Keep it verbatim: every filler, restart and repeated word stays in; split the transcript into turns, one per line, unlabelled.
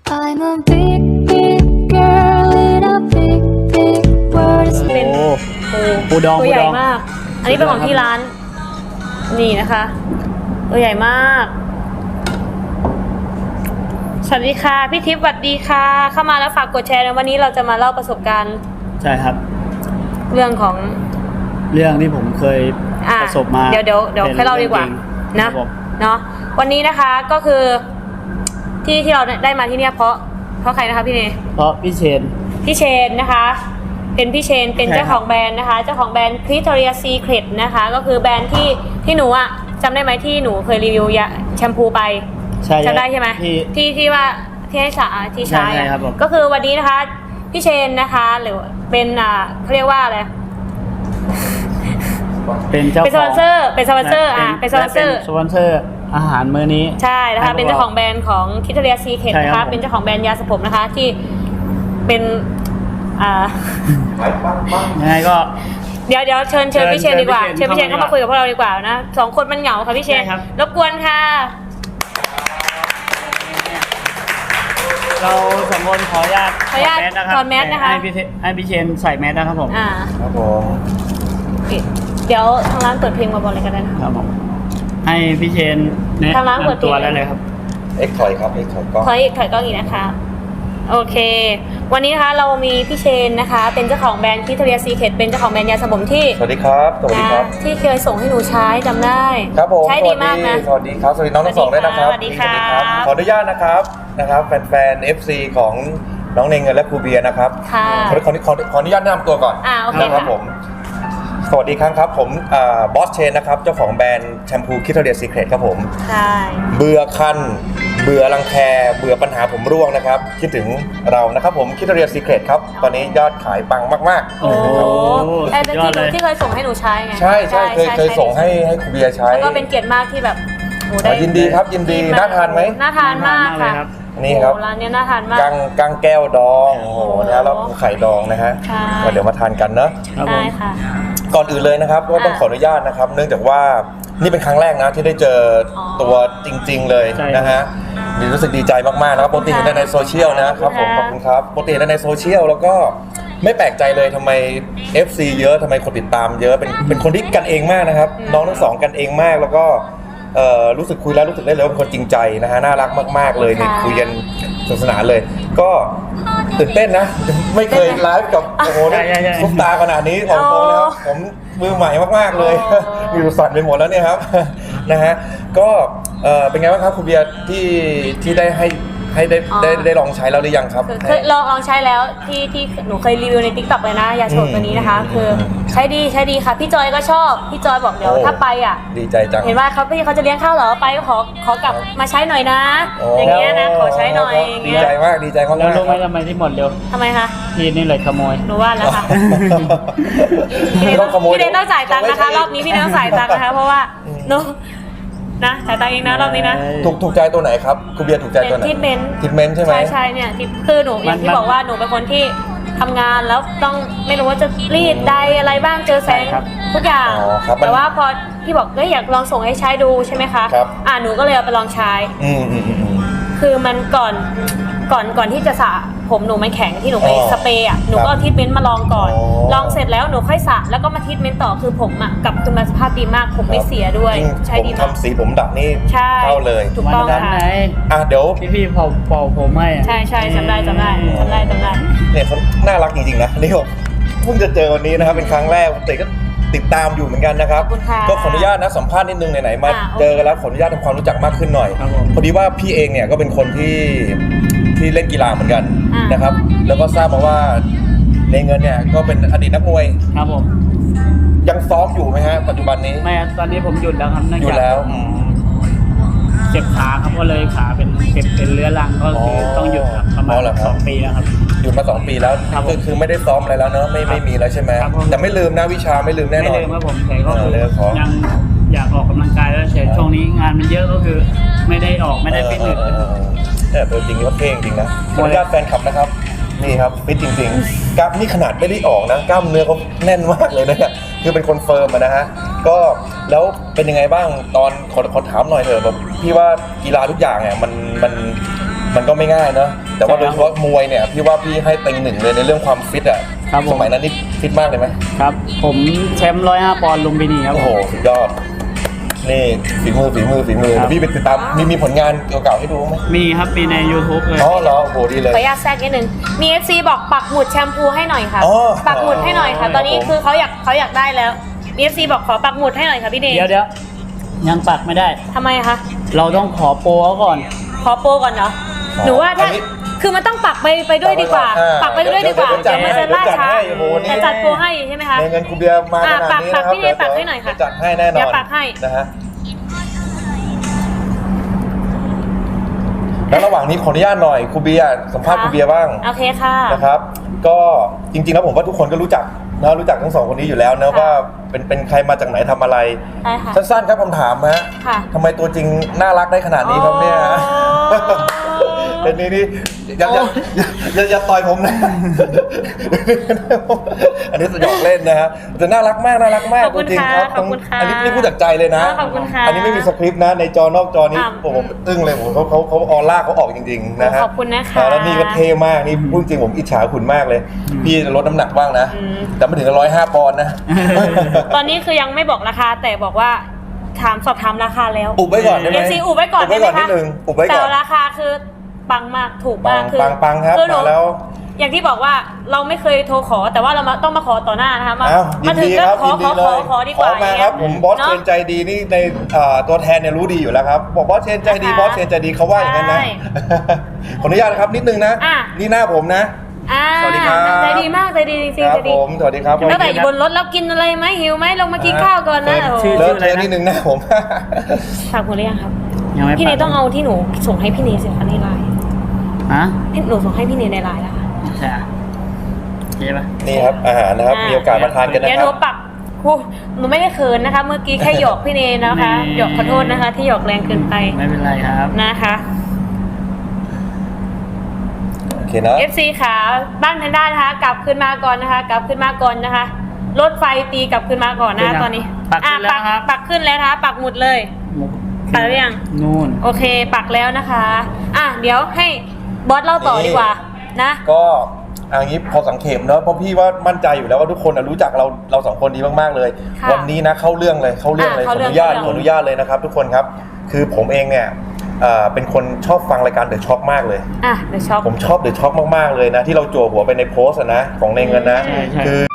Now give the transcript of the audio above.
I'm a big big girl in a big big world
เป็น
โอ้
ปู
ปูดอง
ตัวใหญ่
ปูดอง
มาก อันนี้เป็นของที่ร้าน นี่นะคะ ตัวใหญ่มาก สวัสดีค่ะพี่ทิพย์สวัสดีค่ะ เข้ามาแล้วฝากกดแชร์นะวันนี้เราจะมาเล่าประสบการณ์
ใช่ครับ
เรื่องของ
เรื่องที่ผมเคย
อ่ะ
ประสบมา
เดี๋ยวเดี๋ยวเดี๋ยว
ป็น
ให้เล่าดีกว่า
รื่องจริง
นะครับ
ผม
เนาะวันนี้นะคะก็คือที่ที่เราได้มาที่เนี่ยเพราะเพราะใครนะคะพี่เนย
เพราะพี่เชน
พี่เชนนะคะ เป็นพี่เชนเป็น
ใช่ครับ
เจ้าของแบรนด์นะคะ เจ้าของแบรนด์ Victoria's Secret นะคะ ก็คือแบรนด์ที่ที่หนูอะจำได้ไหมที่หนูเคยรีวิวยาแชมพูไป
ใช่
จำได้ใช่ไหม
ที่
ที่ที่ว่าที่ให้สาที่ใช้
ใช่
อะ
ครับผม
ก็คือวันนี้นะคะพี่เชนนะคะหรือเป็นอ่าเขาเรียกว่าอะไร
เป็นเจ้า
เป็นสปอนเซอร์เป็นสปอนเซอร์อ่ะเป็นสปอนเซอร์
และสปอนเซอร์อาหารมื้อนี้
ใช่นะคะ
ให้พวก
เป็นเจ้าของแบรนด์ของ Victoria's Secret
ใช่
นะ
ครั
คะ
บผม
เป็นเจ้าของแบรนด์ยาสระผมนะคะที่เป็นอ่า
ยังไงก็
เดี๋ยวเดี๋ยวเชิญเชิญ
เชิญ
พี่เชนดีกว่า
เชิ
เชิญ
ญ
พี่เชน
เข้า
เข้า
มา
มาคุยกับพวกเราดีกว่านะสองคนมันเหงาค่ะพี่เชน
ใช่ครับ
รบกวนค่ะ
เราสองคนขออนุญาต
ขออนุญาต
ถอด
ถอดแมสนะคะ
ให้พี่เชนให้พี่เชนใส่แมสนะครับผม
อ่า
ครับผม
โอเคเดี๋ยวทางร้านเปิดเพลงมาบอลเลยกันได้นะครับ
ผมให้พี่เชนแนะ
ทางร้านเปิด
นำตัว
เพลง
ได้เลยครับ
เอ็กถอยครับเอ็กถอยกล้อง
ถอยอีกถอยกล้องอีกนะคะโอเค วันนี้นะคะเรามีพี่เชนนะคะ เป็นเจ้าของแบรนด์ Victoria's Secret เป็นเจ้าของแบรนด์ยาสระผมที่
สวัสดีครับสวัสดี
นะครับ ที่เคยส่งให้หนูใช้จำได้
ครับผม
ใช้ดีมากนะ
สวัสดีครับสวัสดีน้องทั้งสองด้วยนะครับ
สวัสดีครับ
ขออนุญาตนะครับนะครับแฟนๆ เอฟ ซี ของน้องเนงเงินและครูเบียร์นะครับ
ค่ะ
ขอขอขอขออนุญาตแนะนำตัวก่อน
อ่าโอเค
นะครับ
ค่ะ
ผมสวัสดีครับครับผมบอสเชนนะครับเจ้าของแบรนด์แชมพูคิทเทอเรียซีเครตครับผม
ใช่
เบื่อคันเบื่อรังแคเบื่อปัญหาผมร่วงนะครับคิดถึงเรานะครับผมคิทเทอเรียซีเครตครับตอนนี้ยอดขายปังมากๆ
โอ้
โอ้
ไอ้
สุด
ที่
ยอดเลย
ที่เคยส่งให้หนูใช้ไง
ใช่ใช่เคยเคยส่งให้ให้ครูเบียร์ใช้
แล้วก็เป็นเกียรติมากที่แบบโห
อ๋อยินดีครับยินดีน่าทานไหม
น่าทานมาก
น่าทานมากเลย
ค่ะ
ครับ
นี่ครับ
โอ้ร้านเนี้ยน่าทานมาก
กังกังแก้วดองโอ้โหนะแล้วไข่ดองนะฮะ
ใช่
ก็เดี๋ยวมาทานกันเนอะ
ครับผ
ได้
ม
ค่ะ
ก่อนอื่นเลยนะครับก็ต้อง
อ่า
ขออนุญาตนะครับ เนื่องจากว่านี่เป็นครั้งแรกนะที่ได้เจออ
อ
ตัวจริง ๆ เลย
ใช่
นะฮะดีรู้สึกดีใจมากๆนะครับปกติเห็นแต่ในโซเชียลนะครับผม
ข
ข
อ
อ
บบ คุ
คุณ ณ
ค
ค
รั
รับ บปกติเห็นแต่ในโซเชียลแล้วก็ไม่แปลกใจเลยทำไม เอฟ ซี เยอะทำไมคนติดตามเยอะเป็นเป็นคนที่กันเองมากนะครับ
อืม
น้องทั้งสองกันเองมากแล้วก็เอ่อรู้สึกคุยแล้วรู้สึกได้เลยว่าเป็นคนจริงใจนะฮะน่ารักมากๆเลยเนี่ยคุยกันสนุกสนานเลย ก็ตื่นเต้นนะ ไม่เคยไลฟ์กับโอ้โห
ใช่ใช่ใช่
ซุปตาขนาดนี้ของโตนะครับผมมือใหม่มากๆเลย
อ๋อ
อยู่สั่นไปหมดแล้วเนี่ยครับ นะฮะก็เอ่อเป็นไงบ้างครับคุณเบียร์ที่ที่ได้ให้ให้ได้
อ๋อ
ได้ได้ลองใช้แล้วหรือยังครับ
คือเคยลองลองใช้แล้วที่ที่หนูเคยรีวิวใน ติ๊กต็อก เลยนะยาโฉดตัวนี้นะคะ คือใช้ดีใช้ดีค่ะ พี่จอยก็ชอบ พี่จอยบอกเดี๋ยว
โอ้
ถ้าไปอ่ะ
ดีใจจัง
เห็นว่าเขาพี่เขาจะเลี้ยงข้าวเหรอไปก็ขอขอกลับมาใช้หน่อยนะ
โอ้
อย่างเงี้ยนะขอใช้หน่อยอย่าง
ดี
เงี้ย
ใจมากดีใจมาก
แล้วรู้ไหม
ๆ
ทำไมที่หมดเร็ว
ทำไมคะ
พี่นี่เลยขโมย
หนูว่าแล้วค่ะ พี่เนย
ต้องขโมย
พี่เนยต้องจ่ายตังค์นะคะ รอบนี้พี่เนยต้องจ่ายตังค์นะคะ เพราะว่าหนูนะจ่ายตังค์เองนะรอบนี้นะ
ถูกถูกใจตัวไหนครับคุณเบียร์ถูกใจตัวไหน
เป็น treatment
ทรีทเมนต์ใช่ไหม
ใช่ใช่เนี่ยที่คือหนูอย่างที่
มัน
บอกว่าหนูเป็นคนที่ทำงานแล้วต้องไม่รู้ว่าจะรีดใดอะไรบ้างเจอแสง
ใช่ครับ
ทุกอย่าง
อ๋อครับมัน
แต่ว่าพอพี่บอกเอ้ยอยากลองส่งให้ใช้ดูใช่ไหมคะ
ครับ
อ่าหนูก็เลยเอาไปลองใช้
อืมอืมอืมอืม
คือมันก่อนก่อนก่อนที่จะสระผมหนูมันแข็งที่หนูไป
อ๋อ
สเปรย์อ่ะหนู
ครับ
ก็เอาทรีทเมนต์มาลองก่อน
อ๋อ
ลองเสร็จแล้วหนูค่อยสระแล้วก็มาทรีทเมนต์ต่อคือผมอ่ะกลับคืนมาสภาพดีมากผมไม่เสียด้วย
จริง
ใช้
ผม
ดีมาก
ทำสีผมดักนี่
ใช่
เข้าเลย
ถูกต้อง
วันนั้น
ค่ะ
ไหน
อ่ะเดี๋ยว
ที่พี่เป่าเป่าผมให้อะ
ใช่ใช่จำได้จำได้จำได้จำได้
เนี่ยเขาน่ารักจริงๆนะนี่ผมเพิ่งจะเจอวันนี้นะครับเป็นครั้งแรกแต่ก็ติดตามอยู่เหมือนกันนะครับ
ขอบคุณค่ะ
ก็ขออนุญาตนะสัมภาษณ์นิดนึงไหนๆมา
อ่าโอเค
เจอกันแล้วขออนุญาตทำความรู้จักมากขึ้นหน่อย
ครับผม
พอดีว่าพี่เองเนี่ยก็เป็นคนที่ที่เล่นกีฬาเหมือนกัน
อ่าน
นะครับ แล้วก็ทราบมาว่าในเงินเนี่ยก็เป็นอดีตนักมวย
ครับผม
ยังซ้อมอยู่ไหมฮะปัจจุบันนี้
ไม่ครับตอนนี้ผมหยุดแล้วครับเนื่อง
อยู่
จาก
แล้วอืม
เจ็บขาครับก็เลยขาเป็นเจ็บเป็นเรื้อรังก็คืออ
อ
ต้องหยุดครับประมา
อ๋
ณ
อเหรอครับ
สองปีแล้วครับ
หยุดมาสองปีแล้ว
ครับผม
คือคือไม่ได้ซ้อมอะไรแล้วเนอะไม่ไม่มีแล้วใช่ไหม
ครับผม
แต่ไม่ลืมนะวิชาไม่ลืมแน่น
ไม่
อน
ลืมครับผมแต่ก็
เอ
คือ อ
เลยขอ
ยังอยากออกกำลังกายแล้วเฉยช่วงนี้งานมันเยอะก็คือ ไม่ได้ออกไม่ได้ฟิตเนส
เออเออเออแต่ตัวจริงก็เท่จริงนะขออนุญาตแฟนคลับนะครับ นี่ครับฟิตจริงๆกล้ามนี่ขนาดไม่ได้ออกนะกล้ามเนื้อเขาแน่นมากเลยนะเนี่ยคือเป็นคนเฟิร์มอะนะฮะก็แล้วเป็นยังไงบ้างตอนขอขอถามหน่อยเถอะแบบพี่ว่ากีฬาทุกอย่างเนี่ยมันมันมันก็ไม่ง่ายเนอะแต่ว่า
ใช่
โด
ครับ
ยเฉพาะมวยเนี่ยพี่ว่าพี่ให้เต็งหนึ่งเลยในเรื่องความฟิตอ่ะ
ครับผม
สมัยนั้นนี่ฟิตมากเลยไหม
ครับ ผมแชมป์ร้อยห้าปอนด์ลุมพินีครับ
โอ้โหสุดยอดนี่ฝีมือฝีมือฝีมือ
ครับ
แล้วพี่ไปติดตามมีมีผลงานเก่าๆให้ดูไหม
มีครับมีใน YouTube เลย
อ๋อเหรอโอ้โหดีเลย
ขออนุญาตแทรกนิดนึงมี เอฟ ซี บอกปักหมุดแชมพูให้หน่อยค่ะ
อ๋อ
ปักหมุดให้หน่อยค่ะ ตอนนี้
ครับผม
คือเขาอยากเขาอยากได้แล้วมี เอฟ ซี บอกขอปักหมุดให้หน่อยค่ะพี่เนย
เดี๋ยวเดี๋ยวยังปักไม่ได้
ทำไมคะ
เราต้องขอโปรเขาก่อน
ขอโปรก่อนเนาะหนูว่าถ้า
อันนี้
คือมันต้องปักไปไปด้วยดีกว่า
อ่า
ปักไปด้วยดีกว่า
เดี๋ยว
เดี๋ยวมันจะล่าช้า
เดี๋ยวจัดให้โอ้โหนี่
แต่จัดโปรให้ใช่ไหมคะ
ในเงินครูเบียร์มาข
อ่ะ
นาดนี้
ปั
นะ
ก
ครับ
พี่เนยปักให้หน่อยค่ะ
เดี๋วจัดให้แน่นอน
เดี๋ยวปักให้
นะฮะแล้วระหว่างนี้ขออนุญาตหน่อยครูเบียร์สัมภาษณ์ครูเบียร์บ้าง
โอเคค่ะ
นะครับก็จริงๆแล้วผมว่าทุกคนก็รู้จักนะรู้จักทั้งสองคนนี้อยู่แล้วนะ
ค่ะ
ว่าเป็นเป็นใครมาจากไหนทำอะไร
ใช่ค่ะ
สั้นๆครับคำถามฮะ
ค่ะ
ทำไมตัวจริงน่ารักได้ขนาดนี้ครับเนี่ย
โอ้
เป็นนี่นี่อย่าอย่าอย่าอย่าต่อยผมนะ อันนี้สยองเล่นนะฮะแต่น่ารักมากน่ารักมาก
ขอบคุณ
จริงๆ
ค่ะ
ครับ
ขอบคุณค่ะ
อันนี้นี่พูดจากใจเลยนะ
อ๋อขอบคุณค่ะ
อันนี้ไม่มีสคริปต์นะในจอนอกจอนี้
อ่า
โอ้โหผมอึ้งเลยผมเขาเขาเขาออร่าเขาออกจริงๆนะฮะ
ขอบคุณนะคะ
อ่าแล้วนี่ก็เท่มากนี่พูดจริงผมอิจฉาคุณมากเลย พี่จะลดน้ำหนักบ้างนะ
อืม
แต่ไม่ถึงร้อยห้าปอนด์นะ
ตอนนี้คือยังไม่บอกราคาแต่บอกว่าถามสอบถามราคาแล้ว
อุบไว้ก่อนได้ไหม
เอฟซีอุบไว้ก่อน
อุบไว้
ได้ไหม
ก่อนนิ
คะ
ดนึงอุบไว้ก่อน
แต่ราคาคือปังมากถูกมาก
ปัง
คือ
ปังปังครับ
อหนู
มาแล้ว
อย่างที่บอกว่าเราไม่เคยโทรขอแต่ว่าเรามาต้องมาขอต่อหน้านะคะมา
อ้าวยิ
มาน ถึง
ดี
ก็
ครับ
ขอ
ยิน
ข
ดี
อ
เล
ขอย ขอดีกว่า
มาครับผมบอส
เนาะ
เชนใจดีนี่ในเอ่อตัวแทนเนี่ยรู้ดีอยู่แล้วครับบอกบอสเชนใจดี
นะคะ
บอสเชนใจดีเขาว่าอย่างนั้นนะ
ใช่
ขออนุญาตนะครับนิดนึงนะ
อ่ะ
นี่หน้าผมนะ
อ่า
สวัสดีครับ
ใจดีมากใจดีจริง
ค
ๆ
รั
ใจ
บ
ดี
ผมสวัสดีครับ
ตั้งแต่อยู่บนรถแล้วกินอะไรไหมหิวไหมลงมากินข้าวก่อนนะ
เฟิร์
โอ้โห
ชื่อ
เลิกเทนิดนึงหน้าผม
ฝากหมดหรือยังครับ
ยังไม่ปัก
พี่เนยต้องเอาที่หนูส่งให้พี่เนยสิคะในไลน์
ฮะ
พี่หนูส่งให้พี่เนยในไลน์แล้วค่ะ
ใช่ใช่ปะ
นี่ครับอาหารนะครับมีโอกาสมาทานกันนะ
เดี๋ยว
ค
ห
รั
นู
บ
ปักครูหนูไม่ได้เขินนะคะ เมื่อกี้แค่หยอกพี่เนยนะคะหยอกขอโทษนะคะ ที่หยอกแรงเกินไป
ไม่เป็นไรครับ
นะคะ
โอเคนะ
เอฟ ซี ขาบ้านแพนด้านะคะ กลับขึ้นมาก่อนนะคะ กลับขึ้นมาก่อนนะคะรถไฟตีกลับขึ้นมาก่อนนะคะตอนนี้
ปักขึ้นแล้ว
อ่ะ
ครับ
ปักขึ้นแล้วนะคะปักหมุดเลย ปักหรือยัง
นู่น
โอเค ปักแล้วนะคะ อ่ะเดี๋ยวให้บอสเล่าต่อดีกว่านะ
ก็อันนี้พอสังเขปเนอะเพราะพี่ว่ามั่นใจอยู่แล้วว่าทุกคนน่ะรู้จักเราเราสองคนดีมากๆเลย
ค่ะ
วันนี้นะเข้าเรื่องเลยเข้าเรื่องเลย
อ่ะ
ขอ
เข้า
อ
เรื่อง
นุญาต
เข้า
ขอ
เรื่อง
อนุญาตเลยนะครับ ทุกคนครับคือผมเองเนี่ยเอ่อเป็นคนชอบฟังรายการเดอะช็อคมากเลย
อ่ะเดี๋ยวช็อก
ผมชอบเดอะช็อคมากๆเลยนะที่เราจั่วหัวไปในโพสต์อะนะของในเงินนะ
ใช่ใช่
คือ